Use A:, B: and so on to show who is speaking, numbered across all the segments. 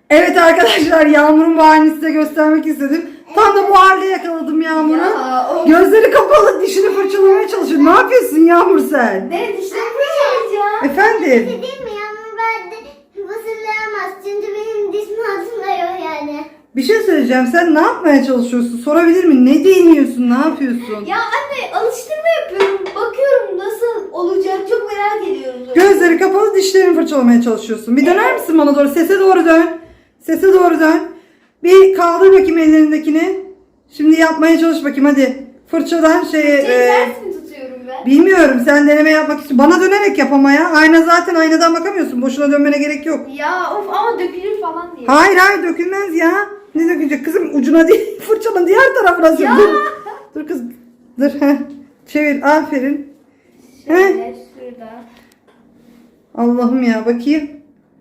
A: Evet arkadaşlar, Yağmur'un bu halini size göstermek istedim. Tam da bu halde yakaladım Yağmur'u.
B: Ya,
A: Gözleri kapalı, dişini fırçalamaya çalışıyor. Ne yapıyorsun Yağmur sen?
B: Ne dişlerimi fırçalayacağım.
A: Efendim?
C: Değil mi? Yağmur ben de fısıldayamaz. Çünkü benim diş altında yok yani.
A: Bir şey söyleyeceğim. Sen ne yapmaya çalışıyorsun? Sorabilir miyim? Ne değiniyorsun? Ne yapıyorsun?
B: Ya anne alıştırma yapıyorum. Bakıyorum nasıl olacak. Çok merak ediyorum.
A: Gözleri kapalı, dişlerini fırçalamaya çalışıyorsun. Bir döner misin bana doğru? Sese doğru dön. Sese doğru dön. Bir kaldır bakayım ellerindekini. Şimdi yapmaya çalış bakayım hadi. Fırçadan
B: Ters mi tutuyorum ben?
A: bilmiyorum, sen deneme yapmak için. Bana dönerek yap ama ya. Ayna zaten, aynadan bakamıyorsun. Boşuna dönmene gerek yok.
B: Ya of ama dökülür falan diye.
A: Hayır dökülmez ya. Ne dökülecek kızım? Ucuna değil, fırçanın diğer tarafına sür.
B: Ya.
A: Dur kız. Dur. Çevir, aferin.
B: Şöyle şurada.
A: Allah'ım ya, bakayım.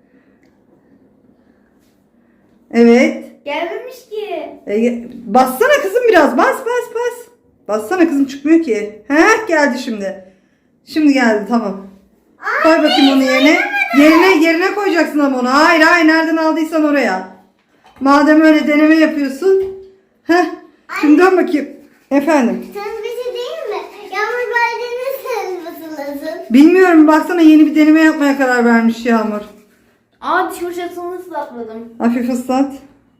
A: Evet.
B: Gelmemiş ki.
A: Bassana kızım biraz. Bas. Bassana kızım, çıkmıyor ki. Geldi şimdi. Şimdi geldi, tamam. Koy bakayım onu yerine. Yerine koyacaksın ama onu. Hayır nereden aldıysan oraya. Madem öyle deneme yapıyorsun. Şimdi dön bakayım. Efendim.
C: Sen bir şey değil mi? Yağmur ben de nasıl fısıldasın?
A: Bilmiyorum, baksana yeni bir deneme yapmaya karar vermiş Yağmur.
B: Aa diş fırçasını ıslakladım.
A: Hafif ıslat.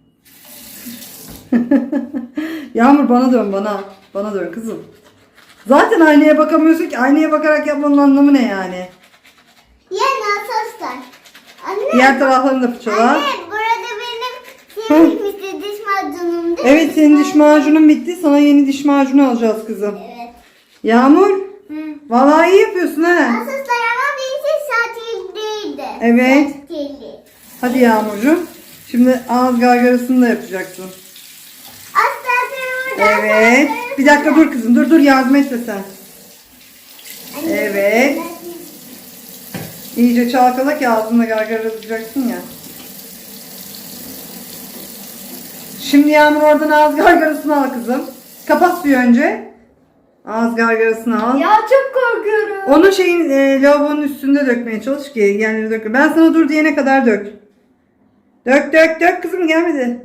A: Yağmur bana dön, bana. Bana dön kızım. Zaten aynaya bakamıyorsun ki. Aynaya bakarak yapmanın anlamı ne yani?
C: Yani asoslar. Anne.
A: Diğer taraflarını da fırçala.
C: Anne burada benim bitmişti diş macunum değil mi?
A: Evet, senin diş macunun bitti. Sana yeni diş macunu alacağız kızım.
C: Evet.
A: Yağmur.
B: Hı.
A: Vallahi iyi yapıyorsun ha.
C: Asoslar ama birisi satil değildi.
A: Evet.
C: Satili.
A: Hadi Yağmurcuğum. Şimdi ağız gargarasını da yapacaksın.
C: Asoslar burada.
A: Evet. Bir dakika dur kızım. Dur yardım etme sen. Evet. İyice çalkala ki ağzında gargarayacaksın ya. Şimdi Yağmur oradan ağız gargarasını al kızım. Kapat suyu önce. Ağız gargarasını al.
B: Ya çok korkuyorum.
A: Onu lavabonun üstünde dökmeye çalış ki yerlere dökme. Ben sana dur diyene kadar dök. Dök kızım, gelmedi.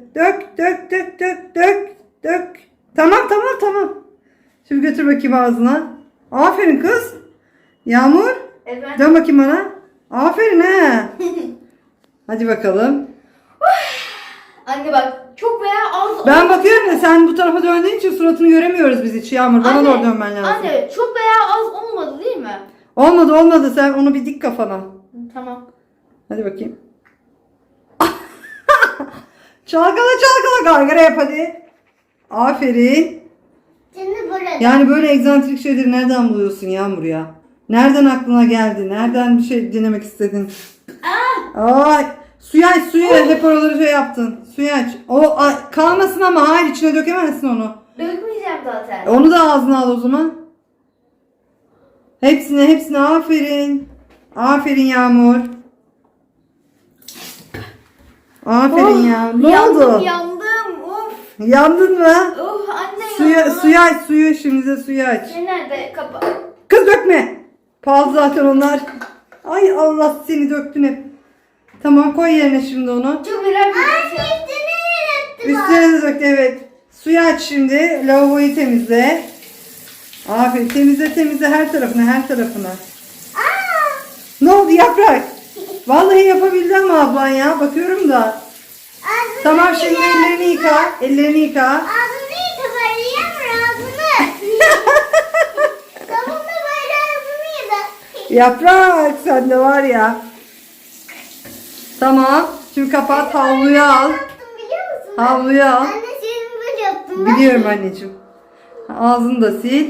A: Dök. Tamam. Şimdi götür bakayım ağzına. Aferin kız. Yağmur.
B: Evet.
A: Dön bakayım bana. Aferin he. Hadi bakalım.
B: Anne bak çok veya az.
A: Ben bakıyorum da sen bu tarafa döndüğün için suratını göremiyoruz biz hiç. Yağmur bana
B: Anne,
A: doğru dönmen lazım.
B: Anne çok veya az olmadı değil mi?
A: Olmadı, sen onu bir dik kafana.
B: Tamam.
A: Hadi bakayım. Çalkala gargara yap hadi. Aferin.
C: Şimdi burada.
A: Yani böyle egzantrik şeyleri nereden buluyorsun Yağmur ya? Nereden aklına geldi? Nereden bir şey denemek istedin? Ay, suyu aç. Hep oraları yaptın. Suyu aç. Kalmasın ama, hayır içine dökemezsin onu.
B: Dökmeyeceğim zaten.
A: Onu da ağzına al o zaman. Hepsine aferin. Aferin Yağmur. Aferin ya. Ne oldu?
B: Yandım. Of.
A: Yandın mı?
B: Anne yandım.
A: Suyu aç. Şimdi de suyu aç.
B: Nerede kapa?
A: Kız dökme. Pahalı zaten onlar. Ay Allah, seni döktün hep. Tamam, koy yerine şimdi onu.
B: Çok merak ediyorum.
A: Üstüne de dök, evet. Suyu aç şimdi. Lavaboyu temizle. Aferin, temizle her tarafına. Ne oldu Yaprak? Vallahi yapabildi ama ablan ya. Bakıyorum da. Tamam, şimdi ellerini yıka.
C: Ağzını yıka böyle Yağmur ağzını. Tamam da böyle ağzını yıka.
A: Yaprak, sen de var ya. Tamam. Şimdi kapat, havluyu al.
C: Yaptım biliyor musun?
A: Havluyu al.
C: Anne senin böyle yaptım.
A: Biliyorum anneciğim. Ağzını da sil.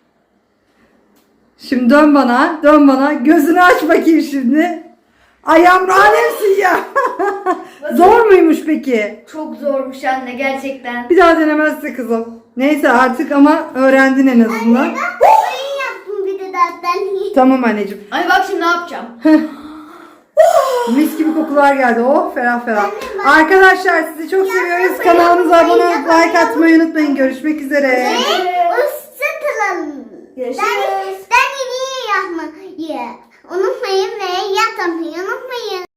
A: Şimdi dön bana. Gözünü aç bakayım şimdi. Ay Yağmur, alemsin ya. Zor muymuş peki?
B: Çok zormuş anne gerçekten.
A: Bir daha denemezse kızım. Neyse artık, ama öğrendin en azından.
C: Oyun yaptım bir de zaten.
A: Tamam anneciğim.
B: Anne bak şimdi ne yapacağım?
A: Mis gibi kokular geldi. Oh, ferah. Arkadaşlar sizi çok seviyoruz. Kanalımıza abone olup like atmayı unutmayın. Görüşmek üzere.
C: Hoşçakalın.
B: Görüşürüz.
C: Ben iyi yapmayı unutmayın ve yapmayı unutmayın.